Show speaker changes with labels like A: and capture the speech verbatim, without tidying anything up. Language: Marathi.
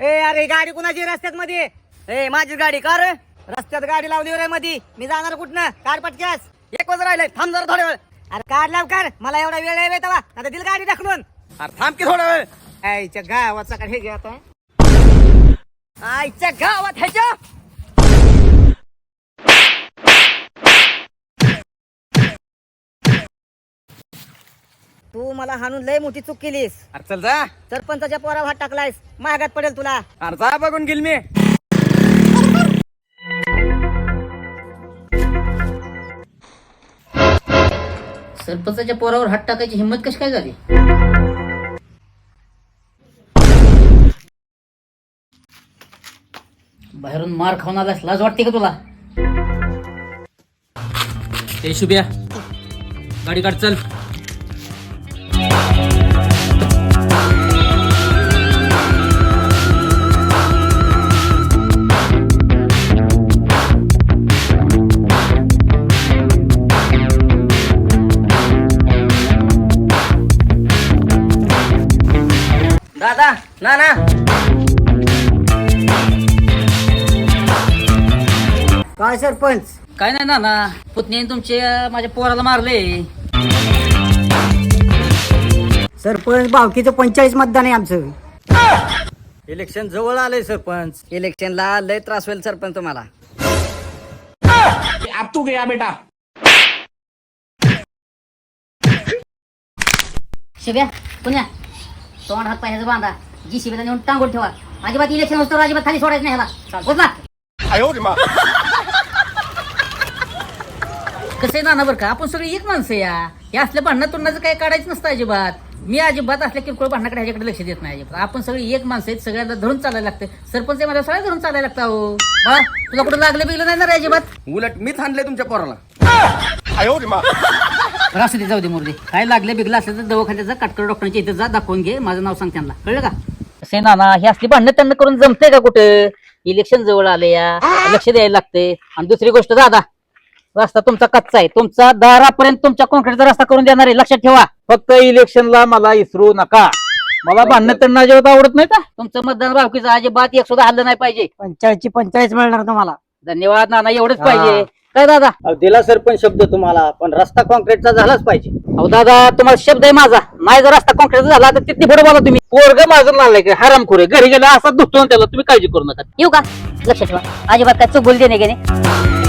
A: ए अरे गाडी कुणाची रस्त्यात मध्ये? ए माझी गाडी का रे? रस्त्यात गाडी लावली रे मध्ये, मी जाणार कुठनं? कार पटक्यास एक वाजता राहिलंय, थांब जरा थोड्या वेळ. अरे कार लाव कार, मला एवढा वेळ आहे तवा, आता दिल गाडी ढकलून.
B: अरे थांब की थोडा वेळ.
A: आईच्या गावाचा काय हे घे आता, आईच्या गावात ह्याच्या तू मला हाणून लय मोठी चूक केलीस.
B: अरे चल जा.
A: सरपंचाच्या पोरावर हात टाकलायस, महागात पडेल तुला.
B: अरे जा बघून गेल मी.
C: सरपंचाच्या पोरावर हात टाकायची हिंमत कशी काय झाली? बाहेरून मार खाऊन आलास, लाज वाटते का तुला?
B: ए शुभ्या, गाडी काढ चल.
A: दादा ना ना काय सरपंच?
C: काय नाही ना ना, पुतण्याने तुमच्या माझ्या पोराला मारले.
A: सरपंच भावकीचं पंचेचाळीस मतदान आहे आमचं.
B: इलेक्शन जवळ आलंय सरपंच.
A: इलेक्शनला लय त्रास होईल सरपंच तुम्हाला.
B: अब तू गया बेटा.
C: शिव्या पुण्या तोंड हात पायाचं बांधा, जी शिवेला नेऊन टांगून ठेवा. अजिबात इलेक्शन असतो, अजिबात खाली सोडायचं नाही ह्याला. बोल ना. कसं आहे नाना बरं का, आपण सगळी एक माणसं या. हे असल्या भांडणं तोंडाचं काय काढायचं नसतं अजिबात. मी अजिबात असल्या किरकोळ भांडणाकडे ह्याच्याकडे लक्ष देत नाही अजिबात. आपण सगळी एक माणसं आहेत, सगळ्यांना धरून चालायला लागतं. सरपंच मला सगळ्या धरून चालायला लागतं. हो बा, तुला कुठं लागलं बिगलं नाही ना रे अजिबात?
B: उलट मीच आणलंय तुमच्या पोराला.
C: असं ते जाऊ दे मुर्दे. काय लागलं बिगलं असलं तर दवाखान्यात जा, काटकर डॉक्टरांच्या इथं जा, दाखवून घे. माझं नाव सांग त्यांना, कळलं का? असे नाना, हे असली भांडणं त्यांना करून जमतंय का कुठं? इलेक्शन जवळ आले या, लक्ष द्यायला लागते. आणि दुसरी गोष्ट दादा, रस्ता तुमचा कच्चा आहे. तुमचा दारापर्यंत तुमच्या कॉन्क्रीटचा रस्ता करून देणार आहे, लक्षात ठेवा.
D: फक्त इलेक्शनला मला इसरू नका. मला भांडणं त्यांना अजिबात आवडत नाही का?
C: तुमचं मतदान भावकीचं अजिबात एक सुद्धा हल्लं नाही पाहिजे.
A: पंचाळीसची पंचाळीस मिळणार तुम्हाला.
C: धन्यवाद नाना, एवढंच
D: हा.
C: पाहिजे. काय दादा?
D: अहो, दिला सरपंच शब्द तुम्हाला, पण रस्ता कॉन्क्रीटचा झालाच पाहिजे.
C: अहो दादा, तुम्हाला शब्द आहे माझा. नाही जर रस्ता कॉन्क्रीटचा झाला तर तिथे पुढे बोला तुम्ही.
D: पोरग माझं नालाय का हरामखोर घरी गेला असा दुखतो त्याला, तुम्ही काळजी करू नका.
C: येऊ का? लक्षात ठेवा, अजिबात काय चूक बोलते नाही गेले.